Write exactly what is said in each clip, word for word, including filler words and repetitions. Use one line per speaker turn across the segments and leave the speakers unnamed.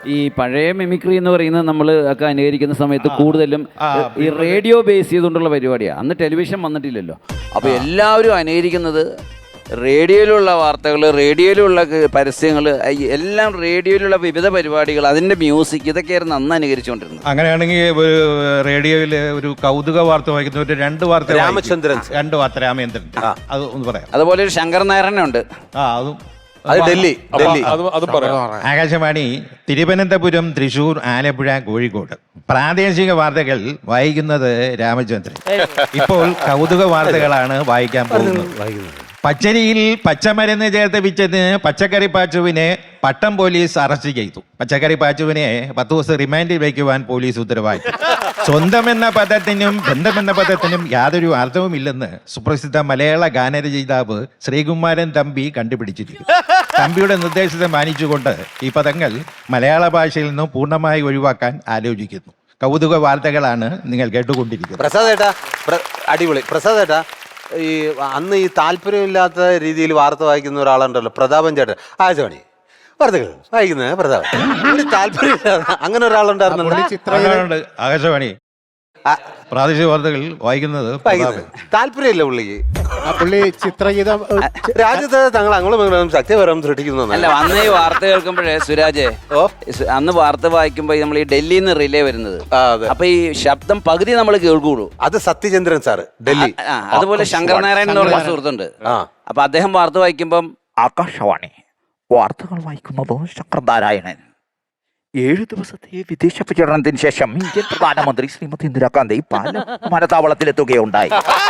ഈ പഴയ മിമിക്രി എന്ന് പറയുന്നത് നമ്മൾ ഒക്കെ അനുകരിക്കുന്ന സമയത്ത് കൂടുതലും ഈ റേഡിയോ ബേസ് ചെയ്തുകൊണ്ടുള്ള പരിപാടിയാണ്. അന്ന് ടെലിവിഷൻ വന്നിട്ടില്ലല്ലോ. അപ്പോൾ എല്ലാവരും അനുകരിക്കുന്നത് റേഡിയോയിലുള്ള വാർത്തകൾ, റേഡിയോയിലുള്ള പരസ്യങ്ങൾ, എല്ലാം റേഡിയോയിലുള്ള വിവിധ പരിപാടികൾ, അതിൻ്റെ മ്യൂസിക്, ഇതൊക്കെയായിരുന്നു അന്ന് അനുകരിച്ചുകൊണ്ടിരുന്നത്.
അങ്ങനെയാണെങ്കിൽ ഒരു റേഡിയോയിൽ ഒരു കൗതുക വാർത്ത വായിക്കുന്ന ഒരു രണ്ട് വാർത്ത
രാമചന്ദ്രൻ
രണ്ട് വാർത്ത രാമചന്ദ്രൻ അത് ഒന്ന് പറയാം.
അതുപോലെ ഒരു ശങ്കർ നാരായണനുണ്ട്.
ആ അതും
അത് ഡൽഹി ഡൽഹി
ആകാശവാണി തിരുവനന്തപുരം, തൃശൂർ, ആലപ്പുഴ, കോഴിക്കോട് പ്രാദേശിക വാർത്തകൾ വായിക്കുന്നത് രാമചന്ദ്രൻ. ഇപ്പോൾ കൗതുക വാർത്തകളാണ് വായിക്കാൻ പോകുന്നത്. പച്ചരിയിൽ പച്ചമരുന്ന് ചേർത്ത് വിറ്റതിന് പച്ചക്കറി പാച്ചുവിനെ പട്ടം പോലീസ് അറസ്റ്റ് ചെയ്തു. പച്ചക്കറി പാച്ചുവിനെ പത്ത് ദിവസം റിമാൻഡിൽ വയ്ക്കുവാൻ പോലീസ് ഉത്തരവായി. സ്വന്തം എന്ന പദത്തിനും ബന്ധമെന്ന പദത്തിനും യാതൊരു അർത്ഥവുമില്ലെന്ന് സുപ്രസിദ്ധ മലയാള ഗാനരചയിതാവ് ശ്രീകുമാരൻ തമ്പി കണ്ടുപിടിച്ചിരിക്കുന്നു. തമ്പിയുടെ നിർദ്ദേശത്തെ മാനിച്ചുകൊണ്ട് ഈ പദങ്ങൾ മലയാള ഭാഷയിൽ നിന്നും പൂർണ്ണമായി ഒഴിവാക്കാൻ ആലോചിക്കുന്നു. കൗതുക വാർത്തകളാണ് നിങ്ങൾ കേട്ടുകൊണ്ടിരിക്കുന്നത്.
പ്രസാദ് ഏട്ടാ, അടിപൊളി. പ്രസാദ് ഏട്ടാ, ഈ അന്ന് ഈ താല്പര്യമില്ലാത്ത രീതിയിൽ വാർത്ത വായിക്കുന്ന ഒരാളുണ്ടല്ലോ, പ്രതാപൻ ചേട്ടൻ. ആകാശവാണി വാർത്തകൾ വായിക്കുന്നത് പ്രതാപൻ. താല്പര്യമില്ലാതെ അങ്ങനെ ഒരാളുണ്ടായിരുന്നു
ആകാശവാണി പ്രാദേശിക വാർത്തകൾ വായിക്കുന്നത്
താല്പര്യമില്ല പുള്ളിക്ക്.
പുള്ളി ചിത്രഗീതം
രാജ്യത്ത് തങ്ങൾ അങ്ങോട്ടും സത്യപരം സൃഷ്ടിക്കുന്നു.
അല്ല, അന്ന് ഈ വാർത്ത കേൾക്കുമ്പോഴേ സുരാജേ, അന്ന് വാർത്ത വായിക്കുമ്പോ നമ്മൾ ഈ ഡൽഹിയിൽ നിന്ന് റിലേ വരുന്നത്, അപ്പൊ ഈ ശബ്ദം പകുതി നമ്മൾ കേൾക്കുള്ളൂ.
അത് സത്യചന്ദ്രൻ സാറ് ഡൽഹി.
അതുപോലെ ശങ്കർ നാരായണൻ എന്ന് പറഞ്ഞ സുഹൃത്തുണ്ട്. അപ്പൊ അദ്ദേഹം വാർത്ത വായിക്കുമ്പം ആകാശവാണി വാർത്തകൾ വായിക്കുന്നത് ശങ്കർ നാരായണൻ. ഏഴു ദിവസത്തെ വിദേശ പര്യടനത്തിന് ശേഷം ഇന്ത്യൻ പ്രധാനമന്ത്രി ശ്രീമതി ഇന്ദിരാഗാന്ധി പാലം വിമാനത്താവളത്തിലെത്തുകയുണ്ടായി.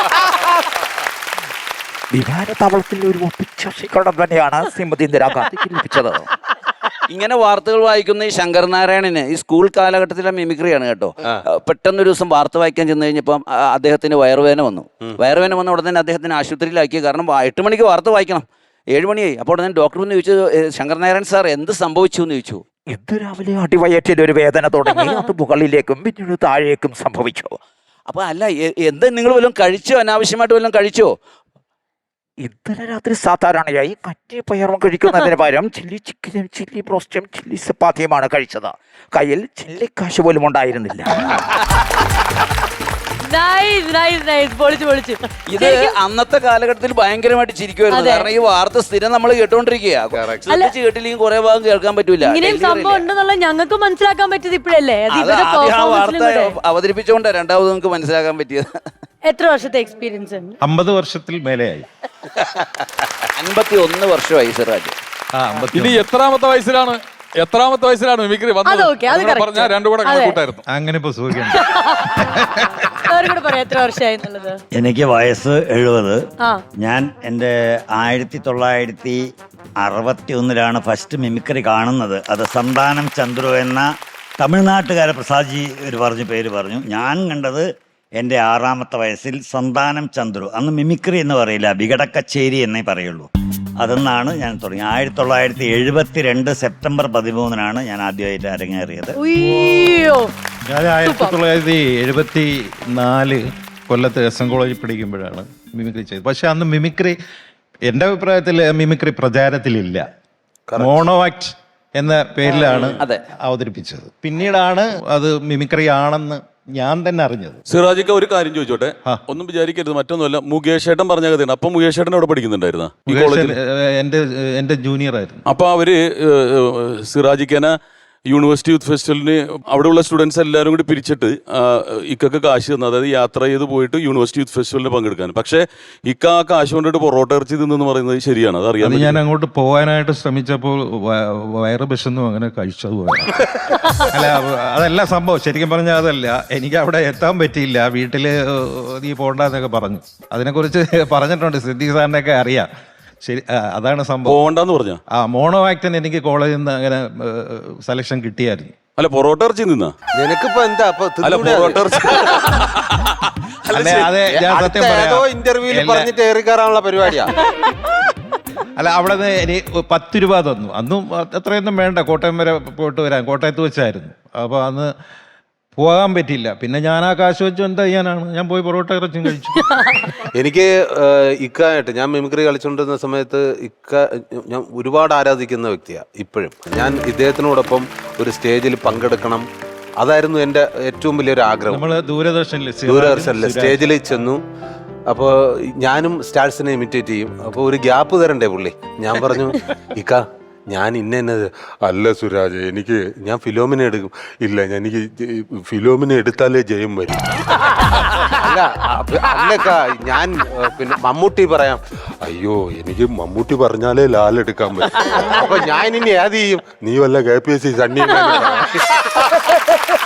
വിമാനത്താവളത്തിൽ ഒരു ഒപ്പിച്ച സ്വീകരണം തന്നെയാണ് ശ്രീമതി ഇന്ദിരാഗാന്ധിക്ക് ലഭിച്ചത്. ഇങ്ങനെ വാർത്തകൾ വായിക്കുന്ന ഈ ശങ്കർ നാരായണന് ഈ സ്കൂൾ കാലഘട്ടത്തിലെ മിമിക്രിയാണ് കേട്ടോ. പെട്ടെന്നൊരു ദിവസം വാർത്ത വായിക്കാൻ ചെന്ന് കഴിഞ്ഞപ്പം അദ്ദേഹത്തിന് വയറുവേദന വന്നു. വയറുവേദന വന്ന ഉടനെ തന്നെ അദ്ദേഹത്തിന് ആശുപത്രിയിലാക്കി. കാരണം എട്ട് മണിക്ക് വാർത്ത വായിക്കണം, ഏഴ് മണിയായി. അപ്പോൾ ഉടനെ ഡോക്ടർ ഒന്ന് ചോദിച്ചു, ശങ്കർ നാരായണൻ സാർ എന്ത് സംഭവിച്ചു എന്ന് ചോദിച്ചു. ഇന്ന് രാവിലെ അടിവയറ്റിൽ ഒരു വേദന തുടങ്ങി, അത് മുകളിലേക്കും പിന്നീട് താഴേക്കും സംഭവിച്ചു. അപ്പൊ അല്ല, എന്താ നിങ്ങൾ വല്ലതും കഴിച്ചോ? അനാവശ്യമായിട്ട് വല്ലതും കഴിച്ചോ? ഇന്നലെ രാത്രി സാധാരണയായി കറ്റി പയറും കഴിക്കുന്നതിന് പകരം ചില്ലി ചിക്കനും ചില്ലി ബ്രോസ്റ്റും ചില്ലി ചപ്പാത്തിയുമാണ് കഴിച്ചത്. കയ്യിൽ ചില്ലിക്കാശ് പോലും ഉണ്ടായിരുന്നില്ല. ഇത് അന്നത്തെ കാലഘട്ടത്തിൽ ഭയങ്കരമായിട്ട് ചിരിക്കുമായിരുന്നു. കാരണം ഈ വാർത്ത സ്ഥിരം നമ്മൾ കേട്ടോണ്ടിരിക്കുക. കേട്ടില്ലെങ്കിൽ കുറെ ഭാഗം കേൾക്കാൻ പറ്റൂല.
ഞങ്ങൾക്ക് മനസ്സിലാക്കാൻ പറ്റിയത് ഇപ്പോഴല്ലേ?
ആ വാർത്ത അവതരിപ്പിച്ചുകൊണ്ട് രണ്ടാമത് നമുക്ക് മനസ്സിലാക്കാൻ പറ്റിയത്.
എത്ര വർഷത്തെ എക്സ്പീരിയൻസ്?
അമ്പത് വർഷത്തിൽ മേലെയായി.
അൻപത്തി ഒന്ന് വർഷമായി സിറാജ്.
ഇനി എത്രാമത്തെ വയസ്സിലാണ് എത്രാമത്തെ വയസ്സിലാണ് മിമിക്രി വന്നത്? പറഞ്ഞാൽ രണ്ടു കൂടെ കണക്കൂട്ടായിരുന്നു.
അങ്ങനെ ഇപ്പൊ സുഖം.
എനിക്ക് വയസ്സ് എഴുപത്. ഞാൻ എൻ്റെ ആയിരത്തി തൊള്ളായിരത്തി അറുപത്തി ഒന്നിലാണ് ഫസ്റ്റ് മിമിക്രി കാണുന്നത്. അത് സന്താനം ചന്ദ്രു എന്ന തമിഴ്നാട്ടുകാരെ പ്രസാദ്ജി ഒരു പറഞ്ഞ പേര് പറഞ്ഞു. ഞാൻ കണ്ടത് എൻ്റെ ആറാമത്തെ വയസ്സിൽ സന്താനം ചന്ദ്രു. അന്ന് മിമിക്രി എന്ന് പറയില്ല, വികടക്കച്ചേരി എന്നേ പറയുള്ളൂ. അതെന്നാണ് ഞാൻ തുടങ്ങി. ആയിരത്തി തൊള്ളായിരത്തി എഴുപത്തി രണ്ട് സെപ്റ്റംബർ പതിമൂന്നിനാണ് ഞാൻ ആദ്യമായിട്ട് അരങ്ങേറിയത്.
ഞാൻ ആയിരത്തി തൊള്ളായിരത്തി എഴുപത്തി നാല് കൊല്ലത്ത് എസ് എൻ കോളേജിൽ പഠിക്കുമ്പോഴാണ് മിമിക്രി ചെയ്തത്. പക്ഷെ അന്ന് മിമിക്രി എൻ്റെ അഭിപ്രായത്തിൽ മിമിക്രി പ്രചാരത്തിലില്ല. മോണോ ആക്ട് എന്ന പേരിലാണ് അവതരിപ്പിച്ചത്. പിന്നീടാണ് അത് മിമിക്രി ആണെന്ന് ഞാൻ തന്നെ അറിഞ്ഞത്.
സിറാജിക്ക ഒരു കാര്യം ചോദിച്ചോട്ടെ, ഒന്നും വിചാരിക്കരുത്, മറ്റൊന്നുമല്ല. മുകേഷ് ഏട്ടൻ പറഞ്ഞ കഥയാണ്. അപ്പൊ മുകേഷ് ഏട്ടൻ അവിടെ പഠിക്കുന്നുണ്ടായിരുന്ന
എന്റെ എന്റെ ജൂനിയർ ആയിരുന്നു.
അപ്പൊ അവര് സിറാജിക്കനെ യൂണിവേഴ്സിറ്റി യൂത്ത് ഫെസ്റ്റിവലിന് അവിടെയുള്ള സ്റ്റുഡൻസ് എല്ലാവരും കൂടി പിരിച്ചിട്ട് ഇക്കൊക്കെ കാശ് തന്നു. അതായത് യാത്ര ചെയ്ത് പോയിട്ട് യൂണിവേഴ്സിറ്റി യൂത്ത് ഫെസ്റ്റിവലിന് പങ്കെടുക്കാൻ. പക്ഷേ ഇക്ക ആ കാശ് കൊണ്ടിട്ട് പൊറോട്ട ഇറച്ചി തിന്നെന്ന് പറയുന്നത് ശരിയാണ്? അതറിയാം.
ഞാൻ അങ്ങോട്ട് പോകാനായിട്ട് ശ്രമിച്ചപ്പോൾ വയറ് വിശന്നു, അങ്ങനെ കഴിച്ചത് പോയ. അല്ല, അതല്ല സംഭവം. ശരിക്കും പറഞ്ഞാൽ അതല്ല, എനിക്ക് അവിടെ എത്താൻ പറ്റിയില്ല. വീട്ടില് നീ പോണ്ടെന്നൊക്കെ പറഞ്ഞു. അതിനെക്കുറിച്ച് പറഞ്ഞിട്ടുണ്ട്, സിദ്ദീഖ് സാറിനെയൊക്കെ അറിയാം. ശരി, അതാണ് സംഭവം.
പോകണ്ടെന്ന് പറഞ്ഞ ആ
മോണോ ആക്ടിന് എനിക്ക് കോളേജിൽ നിന്ന് അങ്ങനെ സെലക്ഷൻ കിട്ടിയായിരുന്നു.
അല്ല, പൊറോട്ട ഇറച്ചി നിന്നാ
നിനക്കിപ്പോ എന്താ?
അല്ല, പൊറോട്ട ഇറച്ചി
അതെ, ഞാൻ സത്യം പറയാം,
ഇന്റർവ്യൂവിൽ പറഞ്ഞിട്ട് ഏറിക്കാറാനുള്ള പരിപാടിയാ.
അല്ല, അവിടെ നിന്ന് എനിക്ക് പത്ത് രൂപ തന്നു. അന്നും അത്രയൊന്നും വേണ്ട, കോട്ടയം വരെ പോയിട്ട് വരാൻ. കോട്ടയത്ത് വെച്ചായിരുന്നു. അപ്പോൾ അന്ന് പോകാൻ പറ്റില്ല. പിന്നെ ഞാൻ ആ കാശ് വെച്ച് എന്താ ചെയ്യാനാണ്, ഞാൻ പോയി പൊറോട്ട ഇറച്ചും കഴിച്ചു.
എനിക്ക് ഏഹ്, ഇക്കായിട്ട് ഞാൻ മിമിക്രി കളിച്ചുകൊണ്ടിരുന്ന സമയത്ത് ഇക്ക ഞാൻ ഒരുപാട് ആരാധിക്കുന്ന വ്യക്തിയാണ് ഇപ്പോഴും. ഞാൻ ഇദ്ദേഹത്തിനോടൊപ്പം ഒരു സ്റ്റേജിൽ പങ്കെടുക്കണം, അതായിരുന്നു എൻ്റെ ഏറ്റവും വലിയൊരു ആഗ്രഹം.
നമ്മള് ദൂരദർശനിൽ
ദൂരദർശനിൽ സ്റ്റേജിൽ ചെന്നു. അപ്പോൾ ഞാനും സ്റ്റാർസിനെ ഇമിറ്റേറ്റ് ചെയ്യും. അപ്പോൾ ഒരു ഗ്യാപ്പ് തരണ്ടേ പുള്ളി. ഞാൻ പറഞ്ഞു, ഇക്ക ഞാൻ ഇന്ന എന്നത് അല്ല സുരാജ്, എനിക്ക് ഞാൻ ഫിലോമിനെ എടുക്കും. ഇല്ല, ഞാൻ എനിക്ക് ഫിലോമിനെ എടുത്താലേ ജയം വരും. അല്ല അപ്പ- അല്ലക്ക ഞാൻ ഏഹ്, പിന്നെ മമ്മൂട്ടി പറയാം. അയ്യോ, എനിക്ക് മമ്മൂട്ടി പറഞ്ഞാലേ ലാൽ എടുക്കാൻ പറ്റും. അപ്പൊ ഞാൻ ഇനി ഏത് ചെയ്യും? നീ വല്ല K P S C Sunny